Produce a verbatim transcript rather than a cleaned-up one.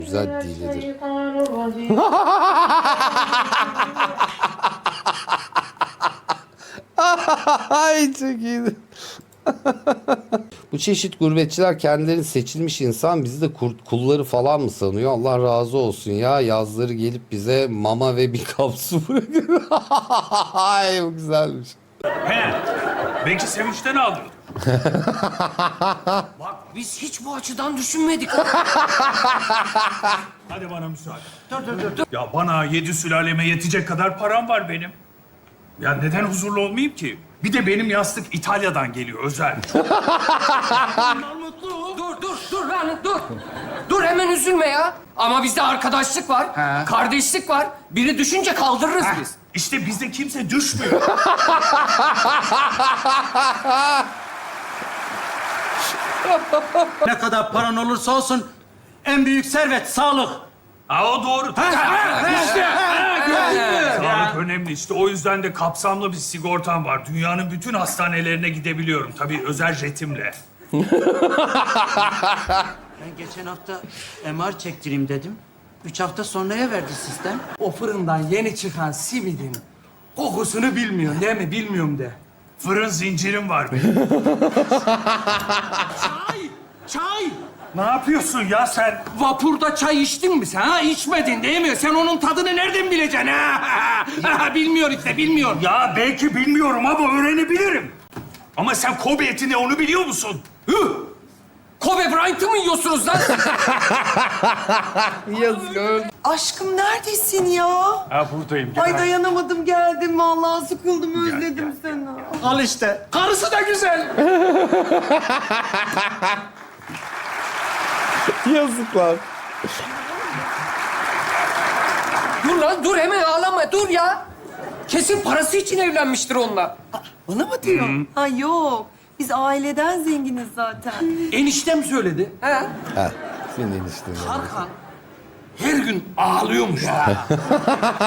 Güzel dilidir. Ay çok iyiydi. Bu çeşit gurbetçiler kendilerini seçilmiş insan, bizi de kurt kulları falan mı sanıyor? Allah razı olsun ya. Yazları gelip bize mama ve bir kap su bırakıyor. Ay bu güzelmiş. He, belki sevinçten aldım. Bak biz hiç bu açıdan düşünmedik. Hadi bana müsaade. Dur, dur, dur, dur. Ya bana yedi sülaleme yetecek kadar param var benim. Ya neden huzurlu olmayayım ki? Bir de benim yastık İtalya'dan geliyor özel. Mutlu. Dur dur dur lan dur. Dur hemen üzülme ya. Ama bizde arkadaşlık var, He. kardeşlik var. Biri düşünce kaldırırız Heh, biz. İşte bizde kimse düşmüyor. Ne kadar paran olursa olsun en büyük servet sağlık. Ha o doğru. İşte. Sağlık önemli işte. O yüzden de kapsamlı bir sigortam var. Dünyanın bütün hastanelerine gidebiliyorum. Tabii özel jetimle. Ben geçen hafta M R çektireyim dedim. Üç hafta sonraya verdi sistem. O fırından yeni çıkan simidin kokusunu bilmiyorsun değil mi? Bilmiyorum de. Fırın zincirim var benim. Çay! Çay! Ne yapıyorsun ya sen? Vapurda çay içtin mi sen? Ha içmedin değil mi? Sen onun tadını nereden bileceksin ha? Bilmiyor işte, bilmiyor. Ya belki bilmiyorum ama öğrenebilirim. Ama sen Kobe eti ne onu biliyor musun? Hıh! Kobe Bryant'ı mı yiyorsunuz lan? Yazık öldü. Aşkım neredesin ya? Ha buradayım. Ay dayanamadım geldim vallahi sıkıldım özledim seni. Al işte. Karısı da güzel. Yazıklar. Dur lan dur hemen ağlama dur ya. Kesin parası için evlenmiştir onunla. Bana mı diyor? Ha yok. Biz aileden zenginiz zaten. Eniştem söyledi. He? Ha, senin enişten. Tarkan her gün ağlıyormuş.